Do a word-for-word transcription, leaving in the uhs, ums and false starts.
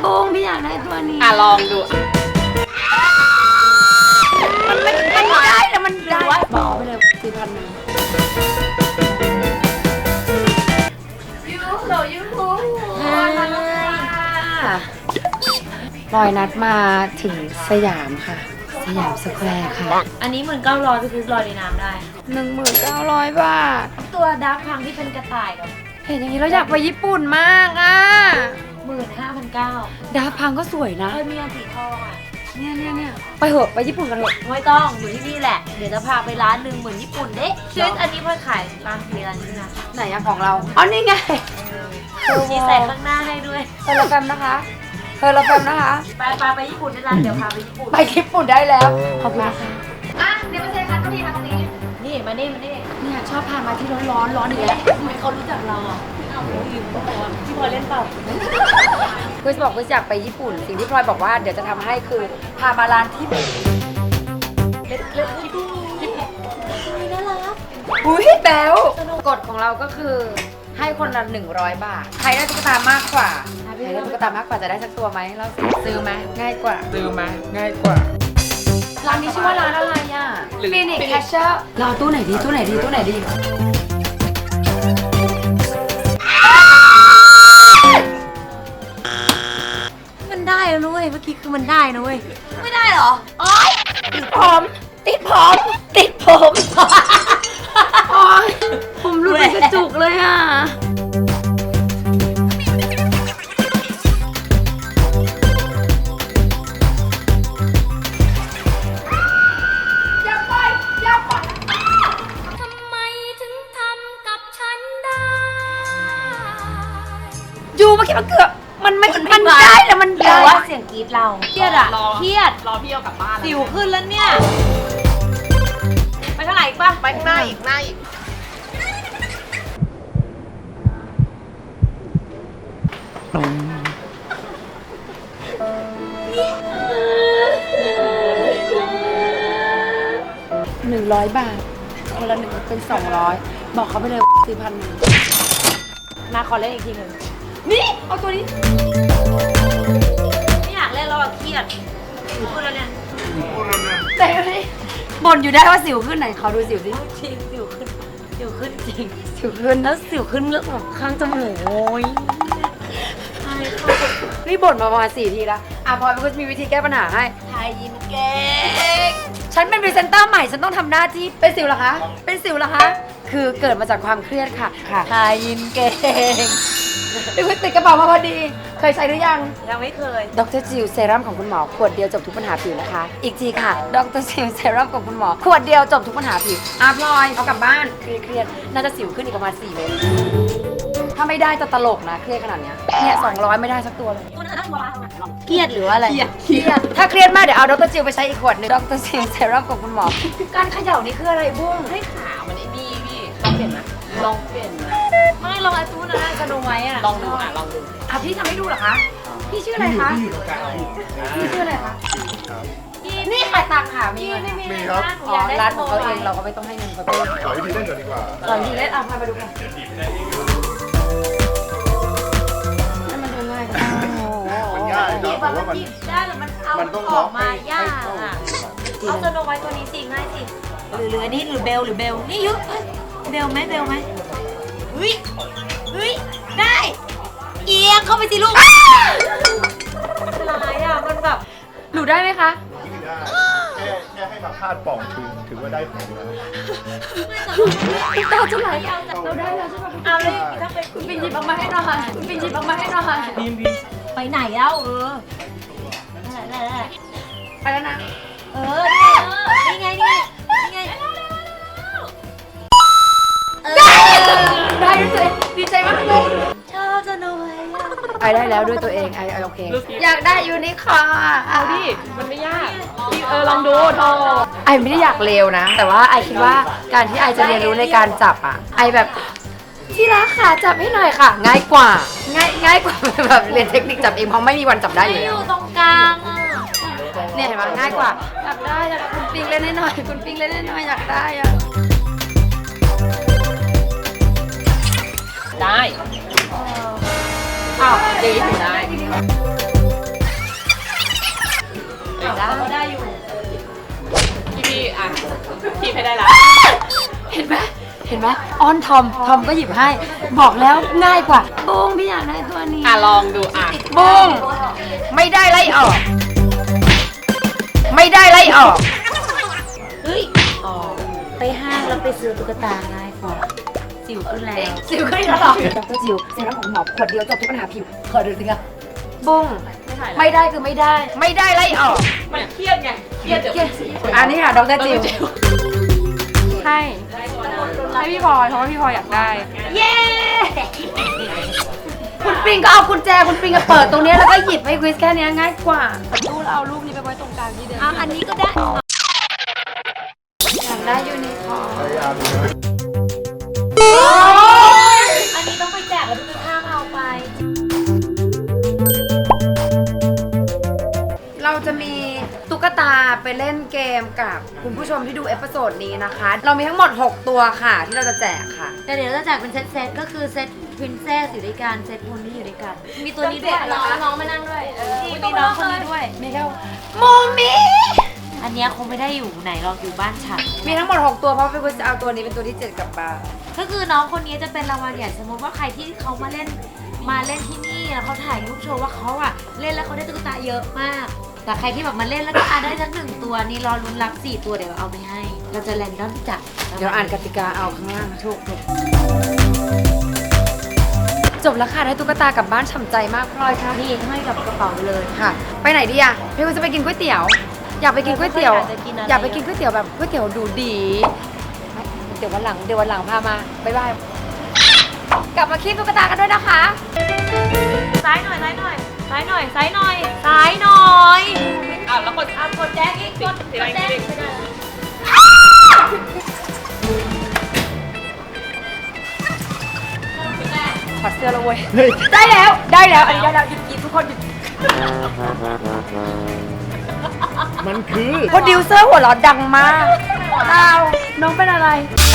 บุ้งพี่อยากได้ตัวนี้อ่ะลองดูมันไม่มันได้แต่มันได้บอกไปเลยสี่พันหนึ่งยูโหลยูฮูลอยนัดมาถึงสยามค่ะสยามสแควร์ค่ะอันนี้หมื่นเก้าร้อยไปซื้อลอยในน้ำได้หนึ่งหมื่นเก้าร้อยบาทตัวดาร์กพังที่เป็นกระต่ายกับเห็นอย่างนี้เราอยากไปญี่ปุ่นมากอ่ะหมื่นห้าพันเก้าดาร์กพังก็สวยนะเออมีอันสีทองอ่ะเนี่ยเนี่ยเนี่ยไปเหอะไปญี่ปุ่นกันเถอะไม่ต้องอยู่ที่นี่แหละเดี๋ยวจะพาไปร้านหนึ่งเหมือนญี่ปุ่นเด้ชื่ออันนี้เพื่อขายร้านเบียร์ร้านนี้นะไหนอะของเราอ๋อนี่ไงมีใส่ข้างหน้าให้ด้วยเธอละแฟมนะคะเธอละแฟมนะคะไปไปไปญี่ปุ่นได้แล้วเดี๋ยวพาไปญี่ปุ่นไปญี่ปุ่นได้แล้วขอบคุณค่ะอ่ะเดี๋ยวมาเจอกันตรงนี้มาตรงนี้นี่มานี่มานี่เนี่ยชอบพามาที่ร้อนร้อนร้อนอีกแล้วทำไมเขารู้จักเราอ่ะเอาลืมก่อนพี่พลอยเล่นเปล่าคุยบอกคุยอยากไปญี่ปุ่นสิ่งที่พลอยบอกว่าเดี๋ยวจะทำให้คือพามาร้านที่เล็ดเล็ดที่ที่น่ารักอุ้ยแบ๊วกฎของเราก็คือให้คนละหนึ่งร้อยบาทใครได้ตุ๊กตามากกว่าใครได้ตุ๊กตามากกว่าจะได้สักตัวไหมเราซื้อไหมง่ายกว่าซื้อไหมง่ายกว่าร้านนี้ชื่อว่าร้านอะไรอ่ะฟินิกแคชเชอร์เราตู้ไหนดีตู้ไหนดีตู้ไหนดีมันได้แล้วนุ้ยเมื่อกี้คือมันได้นะเว้ยไม่ได้เหรออ๋อติดผมติดผมติดผมอ๋อผมรู้เป็นกระจุกเลยอ่ะยูเมื่อกี้มันเกือบมันไม่มันได้แต่มันแต่ว่าเสียงกรี๊ดเราเครียดอะเครียดรอพี่เอากลับบ้านสิวขึ้นแล้วเนี่ยไปเท่าไหร่อีกป่ะไปข้างหน้าอีกหน้าอีกหนึ่งร้อยบาทคนละหนึ่งเป็นสองร้อยบอกเขาไปเลยสี่พันหนึ่งมาขอเล่นอีกทีหนึ่งนี่เอาตัวนี้ไม่อยากเล่นแล้วอะเครียดสิวขึ้นแล้วเนี่ยแต่นี่บ่นอยู่ได้ว่าสิวขึ้นไหนเขาดูสิวสิจริงสิวขึ้นสิวขึ้นจริงสิวขึ้นแล้วสิวขึ้นเรื่องแบบข้างจมูกโอ้ยนี่บ่นมาประมาณสี่ทีแล้วอ่ะพลอยมันก็มีวิธีแก้ปัญหาให้ทายยิ้มเก่งฉันเป็นพรีเซนเตอร์ใหม่ฉันต้องทำหน้าที่เป็นสิวเหรอคะเป็นสิวเหรอคะคือเกิดมาจากความเครียดค่ะค่ะทายยิ้มเก่งดูว่าติดกระเป๋ามาพอดีเคยใช้หรือยังยังไม่เคยดรจิลเซรั่มของคุณหมอขวดเดียวจบทุกปัญหาผิวนะคะอีกทีค่ะดรจิลเซรั่มของคุณหมอขวดเดียวจบทุกปัญหาผิวอาพลอยเอากลับบ้านเครียดๆน่าจะสิวขึ้นอีกประมาณสี่เมตรถ้าไม่ได้จะตลกนะเครียดขนาดเนี้ยเนี่ยสองร้อยไม่ได้สักตัวเลยเครียดหรืออะไรเครียดถ้าเครียดมากเดี๋ยวเอาดรจิลไปใช้อีกขวดนึงดรจิลเซรั่มของคุณหมอการเขย่านี่คืออะไรบุ้งให้ขามันไอ้นี่พี่ลองเปลี่ยนไหมลองเปลี่ยนไหมไม่ลองไอ้ตู้นะกระดูไว้อะลองดูอ่ะลองดูอ่ะพี่ทำให้ดูเหรอคะพี่ชื่ออะไรคะพี่ชื่ออะไรคะนี่ขายตังค่ะมีไม่มีครับอ๋อร้านของเขาเองเราก็ไม่ต้องให้เงินเขาด้วยสอนวิธีเล่นก่อนดีกว่าสอนวิธีเล่นอ่ะพาไปดูค่ะให้มันดูง่ายมันง่ายครับแต่ว่ามันได้แต่มันเอาออกมายากอ่ะเอาสโนไวท์ตัวนี้สิง่ายสิหรือหรืออันนี้หรือเบลหรือเบลนี่ยุเบลไหมเบลไหมเฮ้ยเฮ้ยได้เอียงเข้าไปสิลูกเป็นไรอ่ะมันแบบหนูได้ไหมคะได้แค่แค่ให้มาคาดป่องถือถือว่าได้ผลแล้วตาจะไหลเราได้แล้วใช่ไหมเอาเลยถ้าไปคุณปิ่นหยิบออกมาให้หน่อยคุณปิ่นหยิบออกมาให้หน่อยบีมบีมไปไหนแล้วเออได้ได้ไปแล้วนะเออนี่ไงนี่ไงนี่ไงได้ด้วยดีใจมากเลยชอบจะหน่อยไอได้แล้วด้วยตัวเองไอไอโอเคอยากได้ยูนิคอร์เอาดิมันไม่ยากเออลองดูโทรไอไม่ได้อยากเลวนะแต่ว่าไอคิดว่าการที่ไอจะเรียนรู้ในการจับอ่ะไอแบบที่รักค่ะจับให้หน่อยค่ะง่ายกว่าง่ายง่ายกว่าแบบเรียนเทคนิคจับเองเพราะไม่มีวันจับได้อยู่แล้วอยู่ตรงกลางอ่ะเนี่ยเห็นไหมง่ายกว่าอยากได้อยากคุณปิงเล่นให้หน่อยคุณปิงเล่นให้หน่อยอยากได้อ่ะได้อ้าวดีอยู่ได้คีบให้ได้ละเห็นไหมเห็นไหมอ้อนทอมทอมก็หยิบให้ บอกแล้วง่ายกว่าบุ้งพี่อยากได้ตัวนี้อ่ะลองดูอ่ะบุ้งไม่ได้ไล่ออก ไม่ได้ไล่ออกเฮ้ยอ๋อไปห้างแล้วไปซื้อตุ๊กตาง่ายกว่าสิวขึ้นแล้วสิวขึ้นแล้วหรอดรจิวเซรั่มของหมอขวดเดียวจบทุกปัญหาผิวขอดูสิคะบุ้งไม่ได้คือไม่ได้ ไม่ได้ไล่ออกมันเครียดไงเครียดเดี๋ยวเครียดอันนี้ค่ะดรจิวให้ให้พี่พลอยเพราะว่าพี่พลอยอยากได้เย้ คุณปิงก็เอากุญแจคุณปิงก็เปิดตรงนี้แล้วก็หยิบให้คริสแค่นี้ง่ายกว่ารูปแล้วเอารูปนี้ไปไว้ตรงกลางที่เดิมอ่ะอันนี้ก็ได้อยากได้ยูนิคอร์นพยายามดูอันนี้ต้องไปแจกแล้วพี่ห้ามเอาไปเราจะมีตุ๊กตาไปเล่นเกมกับคุณผู้ชมที่ดูเอพิโซดนี้นะคะ เรามีทั้งหมด หก ตัวค่ะที่เราจะแจกค่ะแต่เดี๋ยวเราจะแจกเป็นเซตเซตก็คือเซตพรินเซสอยู่ด้วยกันเซตพลนี่อยู่ด้วยกัน มีตัวนี้ด้วยน้องน้องมานั่งด้วยเออนี่มีน้องคนนี้ด้วยมีแค่โมมิอันเนี้ยคงไม่ได้อยู่ไหนหรอกอยู่บ้านฉันมีทั้งหมด หก ตัวเพราะพี่กุจะเอาตัวนี้เป็นตัวที่เจ็ดกลับบ้านก็คือน้องคนนี้จะเป็นรางวัลใหญ่สมมติว่าใครที่เขามาเล่นมาเล่นที่นี่แล้วเขาถ่ายรูปโชว์ว่าเขาอะเล่นแล้วเขาได้ตุ๊กตาเยอะมาก แต่ใครที่แบบมาเล่นแล้วก็อ่ะได้สักหนึ่งตัวนี่รอลุ้นรับสี่ตัวเดี๋ยวเอาไปให้ เราจะแรนดอมจับเดี๋ยวอ่านกติกาเอาข้างล่างนะทุกคนจบแล้วค่ะได้ตุ๊กตากลับบ้านฉ่ำใจมากพลอยค่ะนี่ให้กับกระเป๋าไปเลยค่ะ ไปไหนดีอ่ะพี่กุจะไปกินก๋วยเตี๋ยว อยากไปกินก๋วยเตี๋ยวอยากจะกินอะไรอยากไปกินก๋วยเตี๋ยวแบบก๋วยเตี๋ยวดูดีเดี๋ยววันหลังเดี๋ยววันหลังพามาบ๊ายบายกลับมาคีบตุ๊กตากันด้วยนะคะซ้ายหน่อยซ้ายหน่อยซ้ายหน่อยซ้ายหน่อยซ้ายหน่อยอ้าวแล้วกดอ่ะกดแจ้งอีกกดสีกแดดงแจ้งสีแดงไม่ได้ถอดเสื้อแล้วเว้ยได้แล้วได้แล้วอันนี้ได้แล้วหยุดกินทุกคนหยุดมันคือโปรดิวเซอร์หัวเราะดังมากดาวน้องเป็นอะไร